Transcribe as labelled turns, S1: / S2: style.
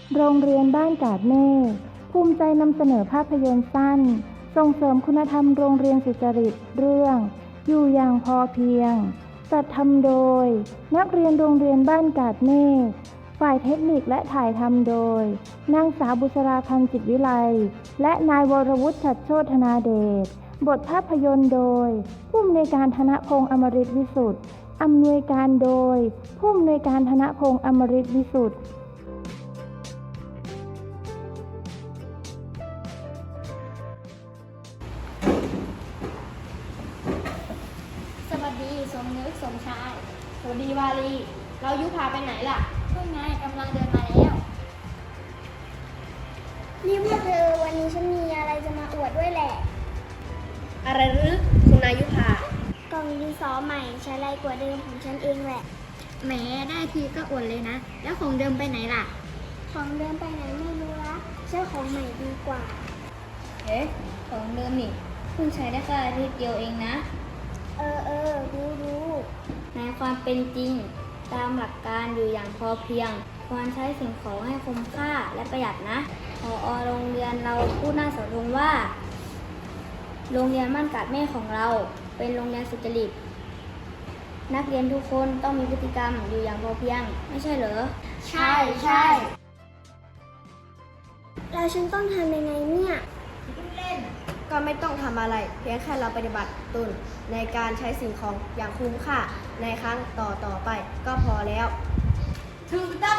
S1: โรงเรียนบ้านกาดเมฆภูมิใจนำเสนอภาพยนตร์สั้นส่งเสริมคุณธรรมโรงเรียนสุจริตเรื่องอยู่อย่างพอเพียงจัดทำโดยนักเรียนโรงเรียนบ้านกาดเมฆฝ่ายเทคนิคและถ่ายทำโดยนางสาวบุษราพันธ์จิตวิไลและนายวรวุฒิฉัตรโชธนาเดชบทภาพยนตร์โดยผู้อำนวยการธนพงษ์อมฤตวิสุทธิ์อำนวยการโดยผู้อำนวยการธนพงษ์อมฤตวิสุทธิ์
S2: สวัสดีสมนึกสมชายสวัสดีวาลีเรายุพาไปไหนล่ะเพิ่งไงกำลังเดินมาแล้ว
S3: นี่พวกเธอวันนี้ฉันมีอะไรจะมาอวดด้วยแหละ
S2: อะไรหรือคุณนายุพาก
S3: ล่องดินสอใหม่ใช้ไรกว่าเดิมของฉันเองแหละ
S2: แหมได้ทีก็อวดเลยนะแล้วของเดิมไปไหนล่ะ
S3: ของเดิมไปไหนไม่รู้ละเจ้าของใหม่ดีกว่า
S2: เอ๊ะของเดิมนี่เพิ่งใช้ได้แค่อาทิตย์เดียวเองนะ
S3: รู้
S2: ในความเป็นจริงตามหลักการอยู่อย่างพอเพียงควรใช้สิ่งของให้คุ้มค่าและประหยัดนะผอ.โรงเรียนเราพูดหน้าเสาธงว่าโรงเรียนบ้านกาดเมฆของเราเป็นโรงเรียนสุจริตนักเรียนทุกคนต้องมีพฤติกรรมอยู่อย่างพอเพียงไม่ใช่เหรอใช่
S3: แล้วฉันต้องทำยังไงเนี่ย
S4: ก็ไม่ต้องทำอะไรเพียงแค่เราปฏิบัติตนในการใช้สิ่งของอย่างคุ้มค่าในครั้งต่อไปก็พอแล้วถูกต้